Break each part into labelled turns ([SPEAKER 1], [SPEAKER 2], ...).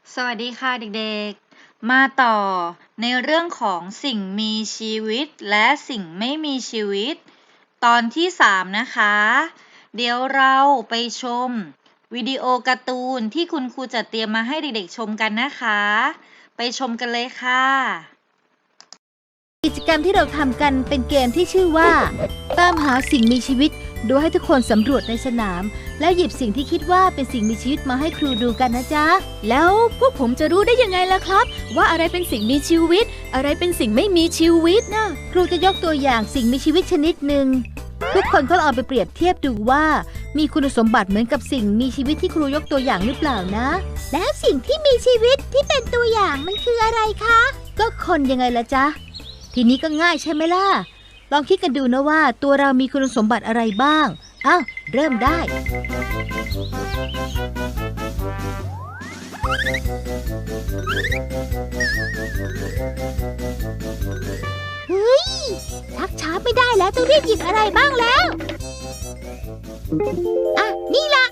[SPEAKER 1] สวัสดีค่ะเด็กๆ มาต่อในเรื่องของสิ่งมีชีวิตและสิ่งไม่มีชีวิตตอนที่3นะคะเดี๋ยวเราไปชมวิดีโอการ์ตูนที่คุณครูจัดเตรียมมาให้เด็กๆชมกันนะคะไปชมกันเลยค่ะ
[SPEAKER 2] กิจกรรมที่เราทำกันเป็นเกมที่ชื่อว่าตามหาสิ่งมีชีวิตโดยให้ทุกคนสำรวจในสนามแล้วหยิบสิ่งที่คิดว่าเป็นสิ่งมีชีวิตมาให้ครูดูกันนะจ๊ะ
[SPEAKER 3] แล้วพวกผมจะรู้ได้ยังไงล่ะครับว่าอะไรเป็นสิ่งมีชีวิตอะไรเป็นสิ่งไม่มีชีวิตนะ
[SPEAKER 2] ครูจะยกตัวอย่างสิ่งมีชีวิตชนิดหนึ่งทุกคนก็เอาไปเปรียบเทียบดูว่ามีคุณสมบัติเหมือนกับสิ่งมีชีวิตที่ครูยกตัวอย่างหรือเปล่านะแล้วสิ่งที่มีชีวิตที่เป็นตัวอย่างมันคืออะไรคะก็คนยังไงล่ะจ๊ะทีนี้ก็ง่ายใช่ไหมล่ะลองคิดกันดูนะว่าตัวเรามีคุณสมบัติอะไรบ้างอ้าวเริ่มได้เฮ้ยชักช้าไม่ได้แล้วต้องรีบหยิบอะไรบ้างแล้วอ่ะนี่ล่ะ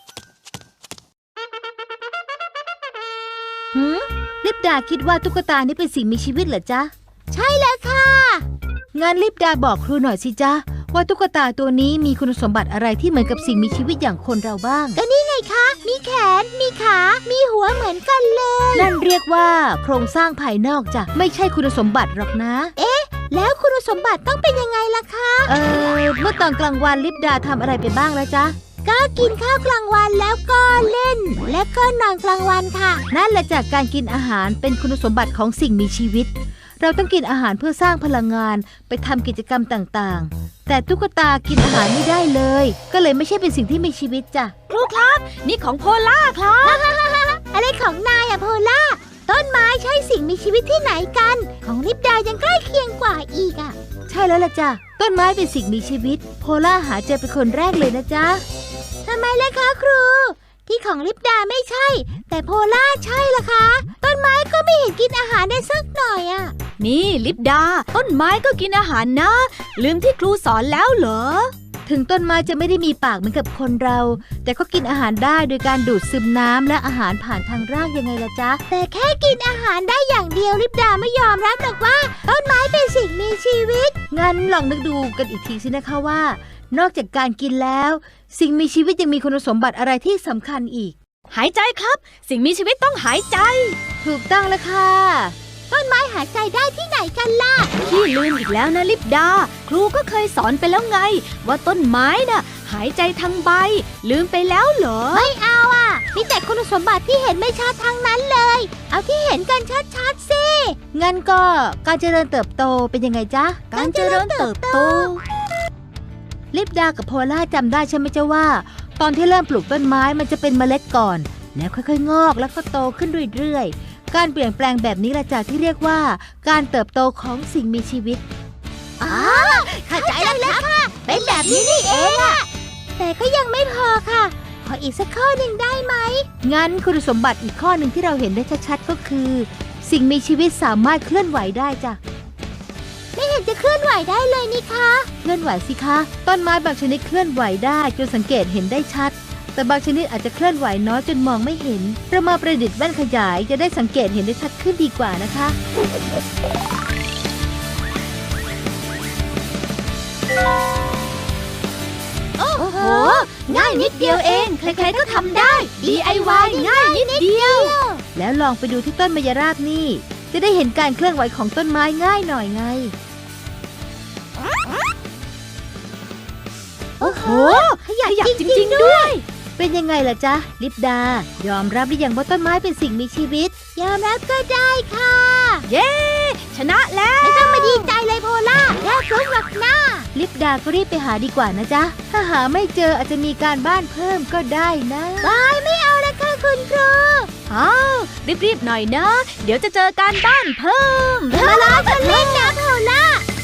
[SPEAKER 2] ลิปดาคิดว่าตุ๊กตานี่เป็นสิ่งมีชีวิตเหรอจ๊ะใช่แล้วค่ะงั้นลิปดาบอกครูหน่อยสิจ๊ะว่าตุ๊กตาตัวนี้มีคุณสมบัติอะไรที่เหมือนกับสิ่งมีชีวิตอย่างคนเราบ้างก็นี่ไงคะมีแขนมีขามีหัวเหมือนกันเลยนั่นเรียกว่าโครงสร้างภายนอกจ้ะไม่ใช่คุณสมบัติหรอกนะเอ๊ะแล้วคุณสมบัติต้องเป็นยังไงล่ะคะเมื่อตอนกลางวันลิปดาทำอะไรไปบ้างแล้วจ๊ะก็กินข้าวกลางวันแล้วก็เล่นและก็นอนกลางวันค่ะนั่นแหละจากการกินอาหารเป็นคุณสมบัติของสิ่งมีชีวิตเราต้องกินอาหารเพื่อสร้างพลังงานไปทำกิจกรรมต่างๆแต่ตุ๊กตากินอาหารไม่ได้เลยก็เลยไม่ใช่เป็นสิ่งที่มีชีวิตจ้ะ
[SPEAKER 3] ครูครับนี่ของโพล่าครับ
[SPEAKER 2] อะไรของนายอะโพล่าต้นไม้ใช่สิ่งมีชีวิตที่ไหนกันของลิปดายังใกล้เคียงกว่าอีกอะใช่แล้วล่ะจ้ะต้นไม้เป็นสิ่งมีชีวิตโพล่าหาเจอเป็นคนแรกเลยนะจ๊ะทำไมล่ะคะครูที่ของลิปดาไม่ใช่แต่โพล่าใช่ล่ะคะต้นไม้ก็ไม่เห็นกินอาหารได้สักหน่อยอะ
[SPEAKER 3] นี่ลิปดาต้นไม้ก็กินอาหารนะลืมที่ครูสอนแล้วเหรอ
[SPEAKER 2] ถึงต้นไม้จะไม่ได้มีปากเหมือนกับคนเราแต่ก็กินอาหารได้โดยการดูดซึมน้ำและอาหารผ่านทางรากยังไงล่ะจ๊ะแต่แค่กินอาหารได้อย่างเดียวลิปดาไม่ยอมรับหรอกว่าต้นไม้เป็นสิ่งมีชีวิตงั้นลองนึกดูกันอีกทีสินะคะว่านอกจากการกินแล้วสิ่งมีชีวิตยังมีคุณสมบัติอะไรที่สำคัญอีก
[SPEAKER 3] หายใจครับสิ่งมีชีวิตต้องหายใจ
[SPEAKER 2] ถูกต้องแล้วค่ะต้นไม้หายใจได้ที่ไหนกันล่ะ
[SPEAKER 3] พี่ลืมอีกแล้วนะลิปดาครูก็เคยสอนไปแล้วไงว่าต้นไม้น่ะหายใจทางใบลืมไปแล้วเหรอ
[SPEAKER 2] ไม่เอาอ่ะมีแต่คุณสมบัติที่เห็นไม่ชัดทั้งนั้นเลยเอาที่เห็นกันชัดๆสิงั้นก็การเจริญเติบโตเป็นยังไงจ๊ะ
[SPEAKER 3] การเจริญเติบโต
[SPEAKER 2] ลิปดากับโพล่าจำได้ใช่ไหมจ๊ะว่าตอนที่เริ่มปลูกต้นไม้มันจะเป็นเมล็ดก่อนแล้วค่อยๆงอกแล้วก็โตขึ้นเรื่อยๆการเปลี่ยนแปลงแบบนี้แหละจ้ะที่เรียกว่าการเติบโตของสิ่งมีชีวิตเข้าใจแล้วค่ะเป็นแบบนี้นี่เองอะแต่ก็ยังไม่พอค่ะขออีกสักข้อหนึ่งได้ไหมงั้นคุณสมบัติอีกข้อหนึ่งที่เราเห็นได้ชัดๆก็คือสิ่งมีชีวิตสามารถเคลื่อนไหวได้จ้ะไม่เห็นจะเคลื่อนไหวได้เลยนี่คะเคลื่อนไหวสิคะต้นไม้บางชนิดเคลื่อนไหวได้จนสังเกตเห็นได้ชัดแต่บางชนิดอาจจะเคลื่อนไหวน้อยจนมองไม่เห็นเรามาประดิษฐ์แว่นขยายจะได้สังเกตเห็นได้ชัดขึ้นดีกว่านะคะ
[SPEAKER 3] โอ้โหง่ายนิดเดียวเองใครๆก็ทำได้ DIY ง่ายนิดเดียว
[SPEAKER 2] แล้วลองไปดูที่ต้นมะยราบนี่จะได้เห็นการเคลื่อนไหวของต้นไม้ง่ายหน่อยไง
[SPEAKER 3] โอ้โหขยับจริงๆด้วย
[SPEAKER 2] เป็นยังไงล่ะจ๊ะลิปดายอมรับหรือยังว่าต้นไม้เป็นสิ่งมีชีวิตยอมรับก็ได้ค่ะ
[SPEAKER 3] เย้ชนะแล้ว
[SPEAKER 2] ไม่ต้องมาดีใจเลยโพล่าแค่ฟลุกหรอกนะลิปดาก็รีบไปหาดีกว่านะจ๊ะถ้าหาไม่เจออาจจะมีการบ้านเพิ่มก็ได้นะบายไม่เอาแล้วค่ะคุณครู
[SPEAKER 3] รีบๆหน่อยนะเดี๋ยวจะเจอการบ้านเพิ่ม
[SPEAKER 2] มาล้อกันเล่นนะโพล่า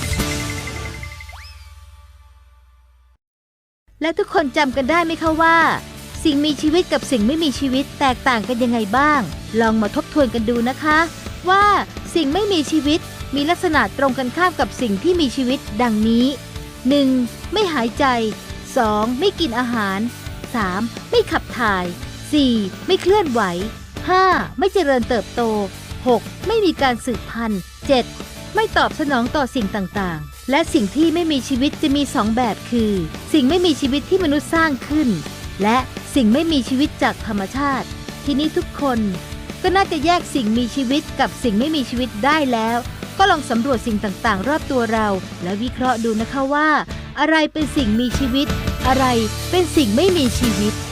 [SPEAKER 2] และทุกคนจำกันได้ไหมคะว่าสิ่งมีชีวิตกับสิ่งไม่มีชีวิตแตกต่างกันยังไงบ้างลองมาทบทวนกันดูนะคะว่าสิ่งไม่มีชีวิตมีลักษณะตรงกันข้ามกับสิ่งที่มีชีวิตดังนี้ 1. ไม่หายใจ 2. ไม่กินอาหาร 3. ไม่ขับถ่าย 4. ไม่เคลื่อนไหว 5. ไม่เจริญเติบโต 6. ไม่มีการสืบพันธุ์ 7. ไม่ตอบสนองต่อสิ่งต่างๆ และสิ่งที่ไม่มีชีวิตจะมี2แบบคือ สิ่งไม่มีชีวิตที่มนุษย์สร้างขึ้น และสิ่งไม่มีชีวิตจากธรรมชาติ ทีนี้ทุกคนก็น่าจะแยกสิ่งมีชีวิตกับสิ่งไม่มีชีวิตได้แล้ว ก็ลองสำรวจสิ่งต่างๆ รอบตัวเรา และวิเคราะห์ดูนะคะว่า อะไรเป็นสิ่งมีชีวิต อะไรเป็นสิ่งไม่มีชีวิต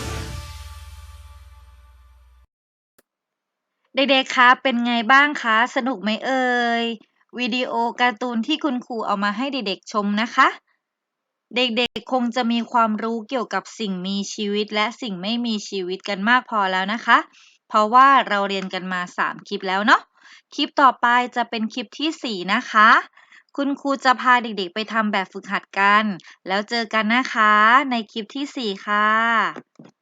[SPEAKER 1] เด็กๆ คะ เป็นไงบ้างคะ สนุกไหมเอ่ย วิดีโอการ์ตูนที่คุณครูเอามาให้เด็กๆ ชมนะคะ เด็กๆ คงจะมีความรู้เกี่ยวกับสิ่งมีชีวิตและสิ่งไม่มีชีวิตกันมากพอแล้วนะคะ เพราะว่าเราเรียนกันมา3คลิปแล้วเนาะ คลิปต่อไปจะเป็นคลิปที่4นะคะ คุณครูจะพาเด็กๆ ไปทำแบบฝึกหัดกัน แล้วเจอกันนะคะในคลิปที่4ค่ะ